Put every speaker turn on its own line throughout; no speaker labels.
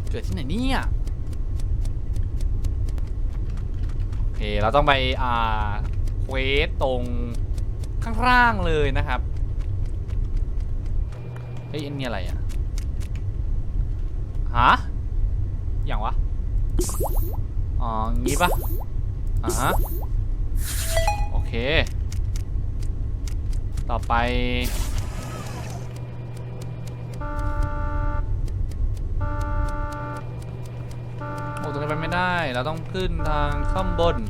เกิดที่ไหนเนี่ยโอเคเราต้องไปเควสตรงข้างล่างเลยนะครับเฮ้ยอันนี้อะไรอ่ะฮะอย่างวะอ๋องี้ปะฮะโอเคต่อไปโอ้ตรงนี้ไปไม่ได้เราต้องขึ้นทางข้างบน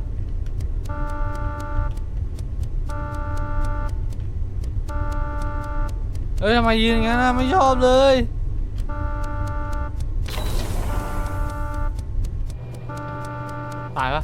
เอ้ยทำไมยืนอย่างนั้นนะไม่ชอบเลยตายปะ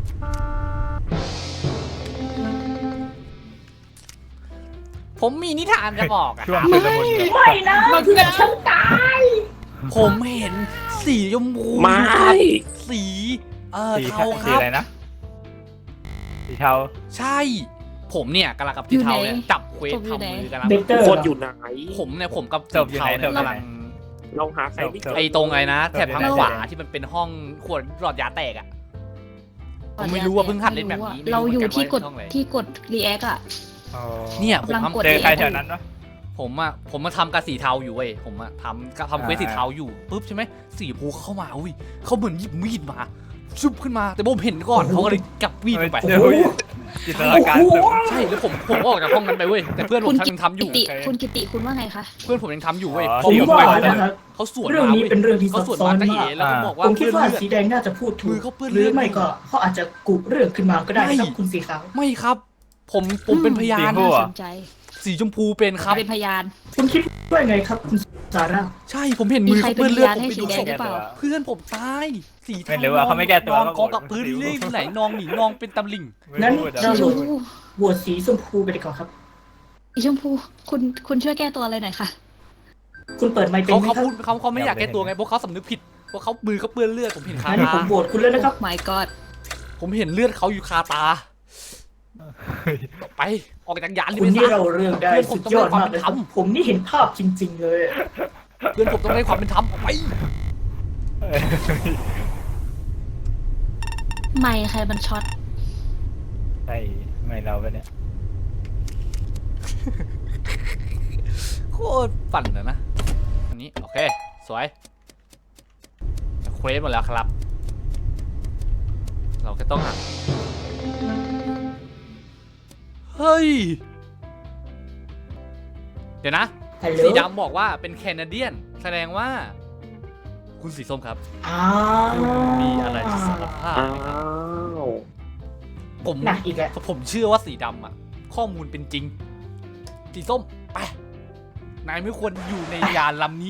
ผมมีนิทานจะบอกอะครับ
ไม่นะเพื่อนฉันตาย
ผมเห็นสีชมพูอยู่ครับสีเทาครับ
สีอะไรนะสีเทา
ใช่ผมเนี่ยกำลังกับสีเทาเนี่ยจับเควสทำมือกำลัง
เบเตอร์
คนอยู่ไหน
ผมเนี่ยผมกับสีเทาเนี่ยกำลัง
เราหาใครไม่เจอ
ไอ้ตรงไงนะแถบทางขวาที่มันเป็นห้องขวดหลอดยาแตกอ่ะผมไม่รู้ว่าเพิ่งหัดเล่นแบบนี้
เราอยู่ที่กด
ไม่รู้เหมือนนว่า
ที่กดรีแอคอะ
เนี่ยผม
กำลังกด
เจอใครแถวนั้นวะ
ผมมาทำกับสีเทาอยู่เว้ยผมทำเควสสีเทาอยู่ปุ๊บใช่ไหมสีชมพูเข้ามาอุ้ยเขาเหมือนหยิบมีดมาชุบขึ้นมาแต่ผมเห็นก่อนเขาก็เลยจับมีดลงไป
เจอจินตนาการสูง
ใช่แล้วผมออกจากห้องนั้นไปเว้ยแต่เพื่อนผมยังทำอยู่
คุณกิติคุณว่าไงคะ
เพื่อนผมยังทำอยู่เว้ย
ผมว่านะครับ
เขาสวน
เรื่อง
มา
นี้
เว้ย
เป็นเรื่องที่ซั
เขา
บ
สวน
ซ้อ
มาน ตะ
มา
เอ๋
ก
แล้วก็บอกว่า
ผมคิดว่า
เลือ
สีแดงน่าจะพูดถู
มือก เขาเปื้อน
ห
เลื
รือ
อด
ไม่ก็เขาอาจจะกุเรื่องขึ้นมาก็ได้นะครับ
ไม่
คุณสีขาว
ไม่ครับ ผมเป็นพยาน
น่าสนใจ
สีชมพูเป็นครับ
เป็นพยาน
คุณคิดว่าไงครับคุณซาร่า
ใช่ผมเห็น
มี
มือ
ใคร
เขา
เป็น
เปื้อนเลือด
พยาน
ผม
ให้
ไป
สี
ดู
แด
ศ
ง
พ
หรือเปล่า
เพื่อนผมตายสี
ไม่รู้ว่าเขาไม่แก้ตัว
นอนกองกับพื้นนี่ไหลนองหนีนองเป็นตำลิง
งั้น
ไม่
เรา
พูด
สีชมพู
โหวตสีชมพูไปดีกว่าครับ
สีชมพูคุณช่วยแก้ตัวอะไรหน่อยค่ะ
คุณเปิดไมค์เป็น
เขา
ไหม
เขา
ครับ
พูดเขาไม่อยากแก้ตัวไงเพราะเขาสำนึกผิดเพราะเขามือเขาเปื้อนเลือดผมเห็นคา
งั้น
ตา
ผมโหวตคุณเลยนะครับ
My God
ผมเห็นเลือดเขาอยู่คาตาไปออกจากยานนี่
คุณ
ไป
นี่
ซะ
เราเรื่องได้
เพื่อนผม
สุดยอดมากเลยครับ
ต้องให้ความเป็นธรรม
ผมนี่เห็นภาพจริง ๆ เลย
เพื่อนผมต้องได้ความเป็นธรรมออกไป
ไม่ใครมันช็อต
ใช่ไม่เราไปเนี่ย
โคตรปั่นเลยนะอันนี้โอเคสวยเควสหมดแล้วครับ เราแค่ต้องหาเฮ้ยเดี๋ยวนะ
ฮัลโหล
สีดำบอกว่าเป็นแคนาเดียนแสดงว่า คุณสีส้มครับ
อ้าว
มีอะไรจะสารภาพ
อ้า
ไหมครับ
ว
ผม
หนักอีกแล้ว
ผมเชื่อว่าสีดำอ่ะ ข้อมูลเป็นจริง สีส้มไปนายไม่ควรอยู่ในยานลำนี้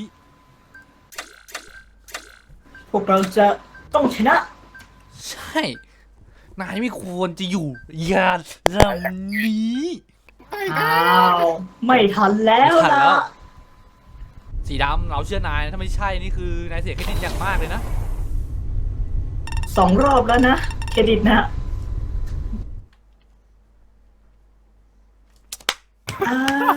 พวกเราจะต้องชนะ
ใช่ นายไม่ควรจะอยู่ยานลำนี้
อ้าวไม่ทันแล้ว
ไม่ทันแล้
ล่ะ
ว สีดำเราเชื่อนายนะถ้าไม่ใช่นี่คือนายเสียเครดิตอย่างมากเลยนะ
2 รอบแล้วนะเครดิตนะอ้าว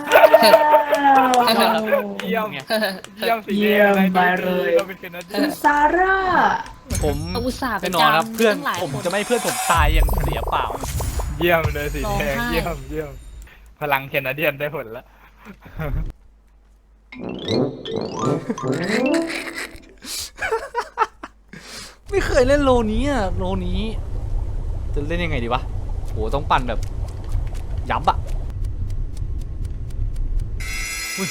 เยี่ยม
ไง
เยี่ยมสี
เยี่ยมไปเลย
เราเป็นแคนาเดีย
คุ
น
ณซาร่า
ผม
อุตส่าห์ไป
แน่นอนครับ
จำ
เพื่อน
ตั้งหลาย
ผม
คน
จะไม่ให้เพื่อนผมตายอย่างเสียเปล่า
เยี่ยมเลยสีแดง
ร้องไห้
เยี่ยมพลังแคนาเดียนได้ผลแล้ว
ไม่เคยเล่นโลนี้อ่ะโลนี้จะเล่นยังไงดีวะโหต้องปั่นแบบยับอ่ะอุ๊ย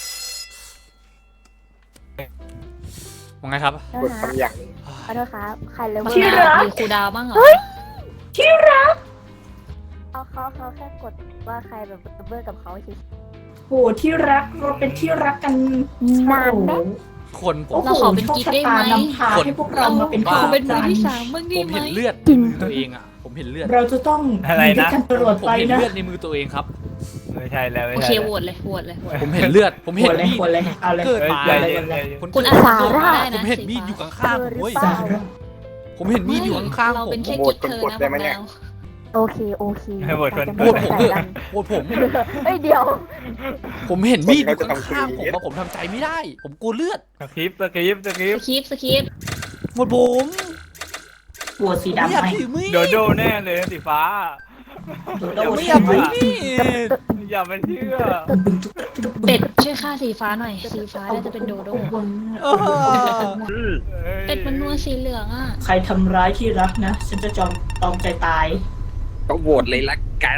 ว่าไงครับ
กดคำอย่าง
ขอโทษครับ ใครเลย
บ้าง
ที่รั
นะ
ก
มีครูดาวบ้างเหรอ
ที่รัก
เขาแค่กดว่าใครแบบเบอร์กับเขาเฉย
โหที่รักเราเป็นที่รักกัน
นานไหม
คนผม
โอ้โห
เราขอเป็นกิ๊กได้ไหม
โชคชะตานำพาให้พวกเรามาเป็น
บ้า
คู่
เป็นมื
กั
อน ที่สามบ้าง
ผ
ดี
ม
ไหม
เห็นเลือดในมือตัวเองอ่ะผมเห็นเลือด
เราจะต้อง
อะไร
อยู่ด้ว
นะ
ยกันตลอด
ผม
ไป
เห็น
นะ
เลือดในมือตัวเองครับ
ไม่ใช่แล้วไม่
โอ
ใช่
เค
แล้ว
โหวตเลยโหวตเลย
ผมเห็นเลือด ผม
หั
เห็
วน เลย
มีด
หัวเลยเอาเลย
เกิดมา
ใจ
เลย
เย็นใจ
เลย
เย็น
คุณ
อาสาได้นะ
ผมเห็นมีดอยู่ข้างๆผมเว้ย
ซาร่า
ผมเห็นมีดอยู่ข้างๆ
เรา
ผ
เป็น
ม
แค่กิ๊กเธอนะของเรา
ผ
โอเคโอเค
ให้โหวตคน
โหวตผมเถอะโหวตผม
เฮ้ยเดี๋ยว
ผมเห็นมีดอยู่ข้างๆผมอะผมทำใจไม่ได้ ผมกลัวเลือด
สคริปต์สคริปต์สคริป
ส
ต์
คริปต์สคริปต์
หมดผม
โหวตสี
ไม่
ดำ
อยาก
ไหม
ถือมีด
โดโดแน่เลยสีฟ้า
โดโดโหวต
ไม่
สี
อยาก
ไหม
ถือมีด
อย่าไปเชื่อ
เป็ดช่วยฆ่าสีฟ้าหน่อย สีฟ้าน่าจะเป็นโดโด
เออ
เป็ดมันนัวสีเหลืองอ่ะ
ใครทำร้ายที่รักนะ ฉันจะตอมใจตาย
ก็โหวตเลยละกัน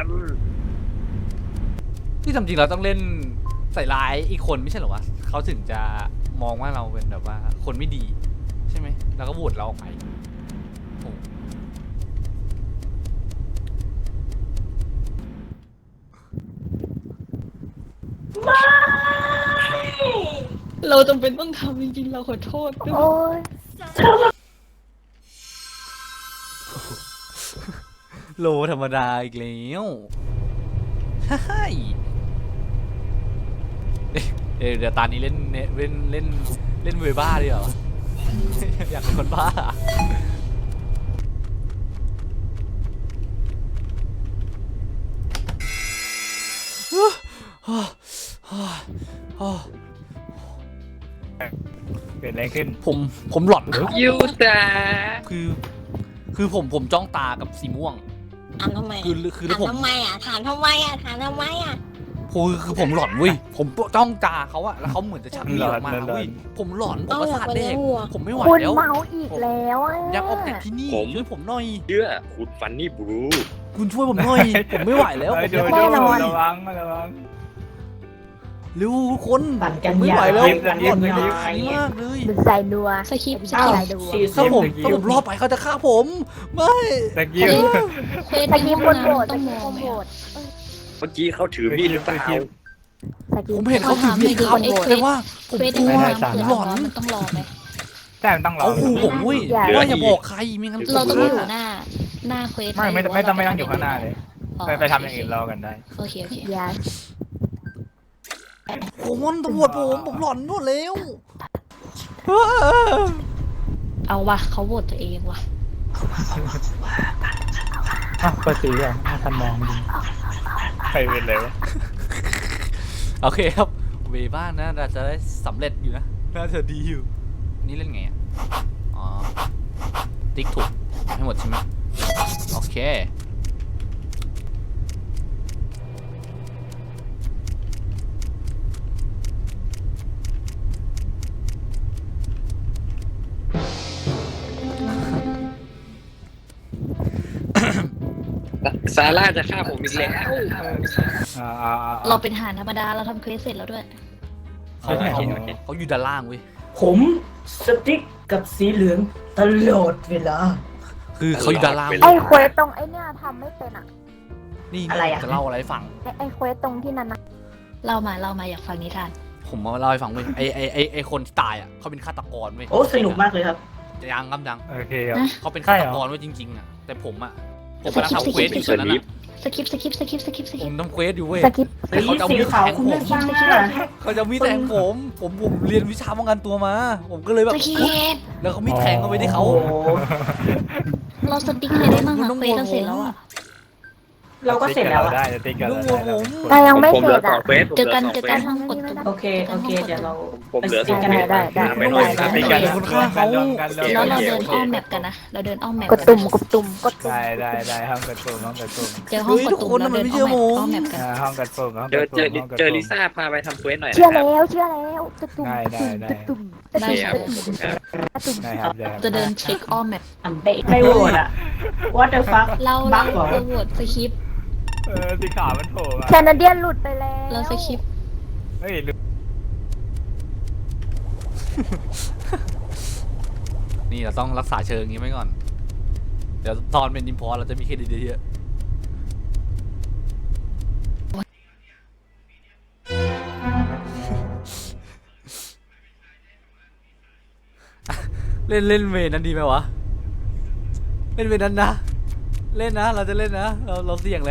ที่ทำจริงเราต้องเล่นใส่ร้ายอีกคนไม่ใช่เหรอวะเขาถึงจะมองว่าเราเป็นแบบว่าคนไม่ดี ใช่ไหมแล้วก็โหวตเราออกไปโอ้
เราจำเป็นต้องทำจริงๆ เราขอโทษด้วย
โอ้ย
โลธรรมดาอีกแล้วใช่เดี๋ยวตอนนี้เล่นเวบ้าดีกว่า อยากเป็นคนบ้า
เกิดอะไรขึ้น
ผมหลอน
ยูแต่
คือผมจ้องตากับสีม่วง
ถามทำไม
คือ
ถาม
ผม
ทำไมอ่ะ ถามทำไมอ่ะ ถามทำไมอ่ะ
คือผมหลอนเว้ยผมจ้องตาเขาอะแล้วเขาเหมือนจะชักมีดออกมาเว้ยผมหลอนผมประสาทแดกผมไม่ไหว
คุณ
แล้ว
เมาอีกแล้วอ่ะ
อยากออกจากที่นี่ช่วยผมหน่อย
เชื่อคุณฟันนี่บลู
คุณช่วยผมหน่อย ผมไม่ไหวแล้ว
เฮ้ย
ผม
โด
อยาก
โด
นอน
ระวังระวัง
เร็วทุกคน
ปั่นกัน
ไม่
ยา
ไหวแล้ว
ปั่น
หล
กั
อน น
ยา
เยอะมากเลย
ดึงใส่นัว
สคริปต์ส
อ้า
คว ริปต์
สี
ถ้า
ส้ม
ผมรอดไปเขาจะฆ่าผม ไม่
สกิล
เควส
ตะ
ใน
กี้
ห้อง
คนโหวต
น้ำต้
ตะ
องม
กี้
อง
คน
ไหม
โหว
อะ
ต
เมื่อกี้เขาถือมีดหรือเปล่า
ตะกี้
ผมเห็นเขาถือมีดครับแต่ว่าผม
เควส
ก
ใน
ลัว
ห้องน้ำ
ผ
เผื่
ม
อ
หลอน
มันต้องรอไหม
ใช่มันต้องรอ
เขาขู่ผมเว้ยว่าอย่าบอกใครไม่งั้น
เราต้อง
ฆ่
อยู่หน้าเควส
ไม่ต้องอยู่ข้างหน้าเลย ไปทำอย่างอื่นรอกันได้
โอเคโอเค
อย่า
ผมตำรวจผมหลอนหมดแล้ว
เอาวะเขาโหวตตัวเองวะ
เปิดสีอ่ะทันมองใครเป็นเลยวะ
โอเคครับเวบ้านนะเราจะได้สำเร็จอยู่นะน่าจะดีอยู่นี่เล่นไงอ่ะอ๋อติ๊กถูกให้หมดใช่ไหมโอเค
ซาร่าจะฆ่าผมอีกแล้ว
เราเป็นทหารธรรมดาเราทำเควสเสร็จแล้วด้วย
เขาอยู่ด้านล่างเว้ย
ผมสติ๊กกับสีเหลืองตลอดเวลา
คือเขาอยู่ด้านล่าง
ไอ้เควสตรงไอ้เนี่ยทำไม่เป็นอ่ะ
นี่
อะไรอะ
จะเล่าอะไรให้ฟัง
ไอ้เควสตรงที่นั้นนะ
เล่ามาอยากฟังนิทาน
ผมมาเล่าให้ฟังเว้ยไอคนที่ตายอ่ะเขาเป็นฆาตกรเว้ย
โอ้สนุกมากเลยครับ
ยังครับยัง
โอเคครับ
เขาเป็นฆาตกรเว้ยจริงๆอ่ะแต่ผมอ่ะผมกำลังทำเควสอยู่ตอนนั้นอ่ะ
สคริปต์
ผมทำเควสอยู่เว้ย
สกิป
แต่เขาจะเอา
สี
มีด
ขาว
แทง
คุณ
ผ
ไม่
ม
ฟังอ่ะ
เขาจะเอามีดแทงผมเรียนวิชาป้องกันตัวมา ผมก็เลยแบบ
สคริปต์
แล้วเขามีดแทงเข้าไปที่เขา
โอ้โห
เราสติ๊กอะไรได้บ้างอะเควสเราเสร็จแล้วอะ
เราก็เสร็จแล้วอะ
ได้จะติ๊กกัน
ลูก
ได้
ผม
แต่ยังไม่
ผม
เส
เหลื
ร็
อ
จ
สอ
อ่ะ
งเฟส
เจอกันห้องกดตุ่ม
โอเคเดี๋ยวเรา
ผมเหลือสอง
ได้
เฟส
ได้
ไปหน่อย
ติ๊กกันคนฆ่าเขารวมกัน
แล้วเราเดินอ้อมแมปกันนะเราเดินอ้อมแมป
กดตุ่มกดตุ่มกดตุ่ม
ได้ห้องกระตุ่มห้องกระตุ่ม
เจอห้องกดตุ่มเราเดินอ้อมแมปกัน
ห้องกระตุ่มห้อง
เจ
ก
อ
ระตุ่ม
เจอลิซ่าพาไปทำเฟสหน่อย
เชื่อ
นะครับ
แล้วกดตุ่ม
ได้
กดตุ่ม
ได้
ครับขอบคุณครับ
กดตุ่ม
ได้ครับได้
จะเดินเช็คอ้อมแมป
ไม่โหวตอ่ะ What the fuck
เรา
บักเหรอ
โหวตสคริปต์
สีขาวมันโผล่มา
แคนาเดียนหลุดไปแล้ว
เราสคริปต์
เฮ้ย
นี่เราต้องรักษาเชิงอย่างนี้ไว้ก่อน เดี๋ยวตอนเป็นอิมพอร์ตเราจะมีเครดิตเยอะๆ เล่นเวนั้นดีไหมวะ เล่นเวนั้นนะ เล่นนะ เราจะเล่นนะ เราเสี่ยงเลย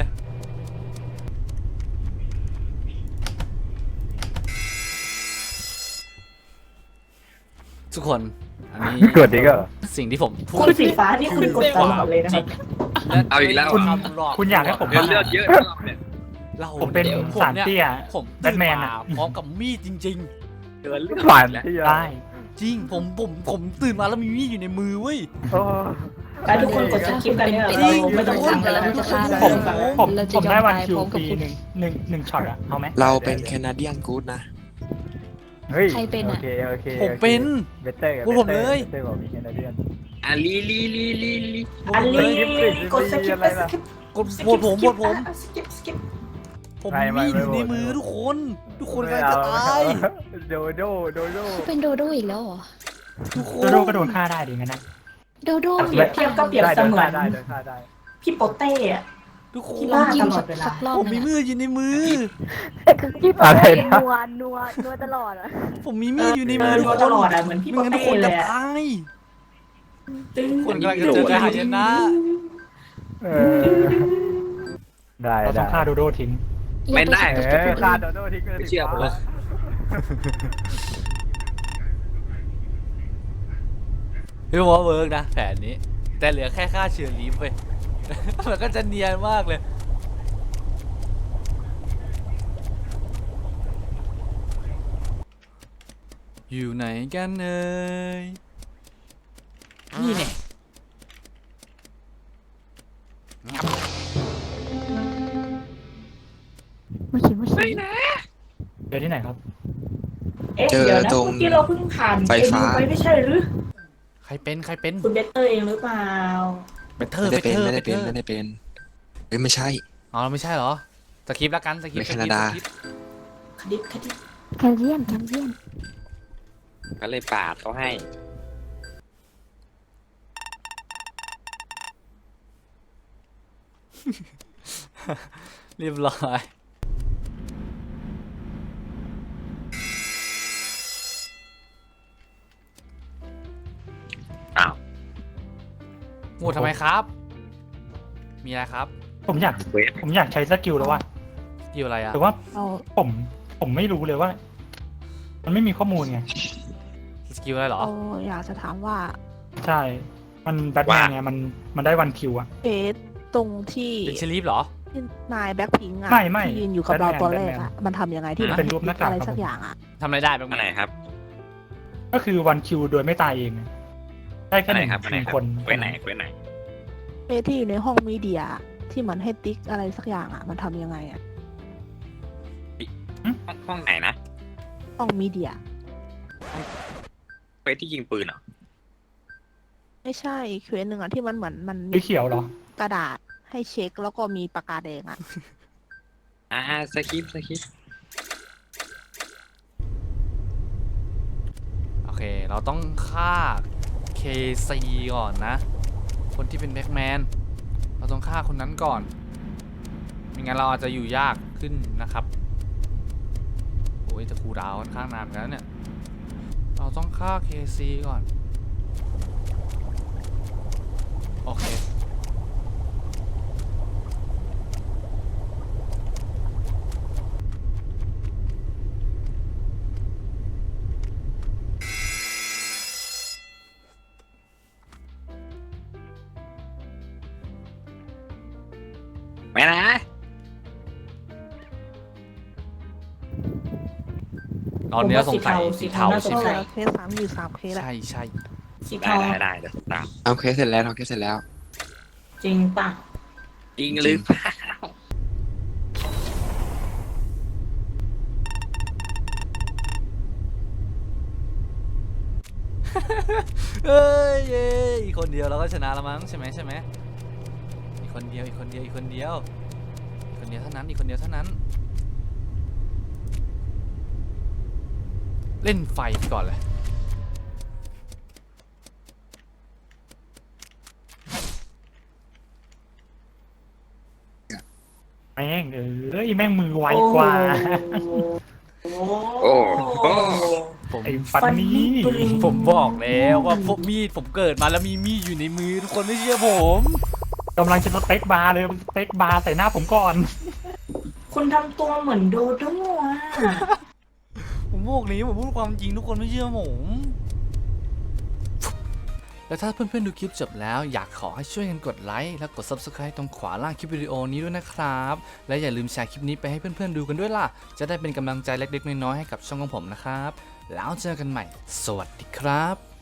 ทุกคน อันนี้
กดดีก็
สิ่งที่ผมพู
คุ
ด
ณสีฟ้านี่คุณกดตลอดเลยนะครับ
เอาอีกแล้ว
คุณ
ทำหลอก
คุณอยากให้ผม
เลือดเลือดเยอะรอบเนี่ย
เรา
ผมเป็น
ผม
สาร
เนี่ย
เตี้ย
ผม
แบทแมนอะ
พร้อมกับมีดจริง
เดือดเลือด
หวาน
แล้ว
ได้
ๆ จริงผมตื่นมาแล้วมีมีดอยู่ในมือเว้ย
โอ้
ไปทุกคนกดสกิปกันเนี่ยเราไม่ต้องฟังกันแล้ว
เราจะฆ่า
ไม่
เรา
ต้องฟังแล้ว
ผม
เราจะ
ผม
ยอ
ได้
ม
วัน
ตาย
คิว
พร้อมกับ
ปี
คุณ
หนึ่งช็อตอะเอาไหม
เราเป็นแคนาเดียนกู๊ดนะ
เฮ้ย
ใครเป็น
โอ
อะ
เคโอเค
ผมเป็น
เบเตอร์
พูดผมเลย
เบเตอร์บอกมีแคนาเดียน
อ่ะลี
อันนี้กดสกิปไปสกิป
กดโหวตผมโหวตผม
สกิปสกิป
ผมมีมีดอยู่ในมือทุกคนกำลังจะตาย
โดโด
เขาเป็นโดโดอีกแล้วเหรอ
ทุกค
โด
น
โดก็โดนฆ่าได้ดิงั้นนะ
โดโด
เปรียบเทียบก็เปรียบ
ได้
เส
โดน
มือ
ฆ่าน ได้โดนฆ่าได้
พี่โปเต้อะ
ทุกค
ที่
น
บ้า
จิ้ม
ตลอดเวลา
สักรอบ
ผม
ห
มี
นึง
มืออยู่ในมือ
คือพี่ปอ
อะไร
เต้
นะ
นัวตลอดอะ
ผมมีมีดอยู่ในมือทุก
ต
คน
ลอดอะเหมือนพี่
ไม่
โป
งั้นทุก
เต้
คน
เล
จะ
ยอะ
ตาย
ตึ้ง
คนกำลังจะเจอไฮเยนนะ
เออได้เราต้องฆ่าโดโดทิ้ง
ไม่ได้
เออฆ่าโดโดทิ้งเลย
ไม่เชื่อผมหรอก
พี่ว่าเวิร์กนะแผนนี้ แต่เหลือแค่ค่าเชื้อลีฟไป มันก็จะเนียนมากเลย อยู่ไหนกันเอ่ยนี่เนี่ย
ไม่คิดว่าใช่
เจอที่ไหนครับ
เอ๊ะเดี๋ยวนะเมื่อกี้เราเพิ่งผ่าน
ไฟฟ้า
ไปไม่ใช่หรือ
ใครเป็น
คุณเบเตอร์เองหรือเปล่า
เบเทอร์
ไม่ได้เป็น
เบ
ไม่
เท
ได้
อร์
เป็นไม่ได้เป็นเฮ้ยไม่ใช่
อ๋อไม่ใช่เหรอสคริปต์ละกันสคริปต์
ในแคนาดา
สคริปต์
คดิบคดิบ
แคลเซียม
ก็เลยปาดเขาให้
เรียบร้อย
อ้าว
โหวตทำไมครับ มีอะไรครับ
ผมอยาก
เวท
ผมอยากใช้สกิลแล้วว่า
เกี่ยวอะไรอ่ะ
แต่ว่า
เอา
ผมไม่รู้เลยว่า มันไม่มีข้อมูลไง
สกิลอะไรเหรอ
เราอยากจะถามว่า
ใช่ มันแบทแมนไงมันได้วันคิวอะ
เฟสตรงที่
เป็นเชลีฟเหรอ
ที่นายแบ็คพิงค์อะ
ไม่
ที่ยืนอยู่กับเรา
แบทแมน
ตัวแรก
แบทแม
อะ
น
มันทำยังไงที่มัน
เป็นรูปหน้ากาก
อะไร
ครับ
สัก
ผม
อย่างอะ
ทำอะไรได้บ้าง
อันไหนครับ
ก็คือวันคิวโดยไม่ตายเองอะได้แค่
อัน
ห
ไหน
นึ่ง
ครับอันไหนครับ
คน
เว้นไหนเว้นไหน
เฟสที่อยู่ในห้องมีเดียที่มันให้ติ๊กอะไรสักอย่างอะมันทำยังไงอะ
ห้องไหนนะ
ห้องมีเดีย
เฟสที่ยิงปืนเหรอ
ไม่ใช่เควสหนึ่งอะที่มันเหมือนมัน
สีเขียวเหรอ
กระดาษให้เช็คแล้วก็มีปากกาแดงอะ
สคริปต์
โอเค เราต้องฆ่า KC ก่อนนะ คนที่เป็นแบ็คแมน เราต้องฆ่าคนนั้นก่อน ไม่งั้นเราอาจจะอยู่ยากขึ้นนะครับ โอ้ยจะคูลดาวน์ค่อนข้างนานเหมือนกันนะเนี่ย เราต้องฆ่า KC ก่อน โอเค
ไม่นะ
ตอนนี้เราสงสัยสีเทาใช่ไหม
เคส3อยู่3เคสอะ
ใช่ใช่
สี
ได้
เทา
ได้เดี๋ยวตาม
เอาเคสเสร็จแล้วเอาเคสเสร็จแล้ว
จริงป่ะ
จริงหรือเปล่า
เอ้ยเย้อีกคนเดียวเราก็ชนะแล้วมั้งใช่ไหมใช่ไหมอีกคนเดียวอีกคนเดียวอีกคนเดียวอีกคนเดียวเท่านั้นอีกคนเดียวเท่านั้น เล่นไฟก่อนเลย
แม่งแม่งมือไวกว่า
โอ้
โอ้โห
ผม
ไอ้ฟันนี่
ผมบอกแล้วว่าพวกมีดผมเกิดมาแล้วมีมีดอยู่ในมือทุกคนไม่เชื่อผม
กำลังจะสเต็กบาร์เลยสเต็กบาร์ใส่หน้าผมก่อน
คุณทำตัวเหมือนโดโด้อะ
ผมบอกนี้ผมพูดความจริงทุกคนไม่เชื่อผมแล้วถ้าเพื่อนๆดูคลิปจบแล้วอยากขอให้ช่วยกันกดไลค์และกด Subscribe ตรงขวาล่างคลิปวิดีโอนี้ด้วยนะครับและอย่าลืมแชร์คลิปนี้ไปให้เพื่อนๆดูกันด้วยล่ะจะได้เป็นกำลังใจเล็กๆน้อยๆให้กับช่องของผมนะครับแล้วเจอกันใหม่สวัสดีครับ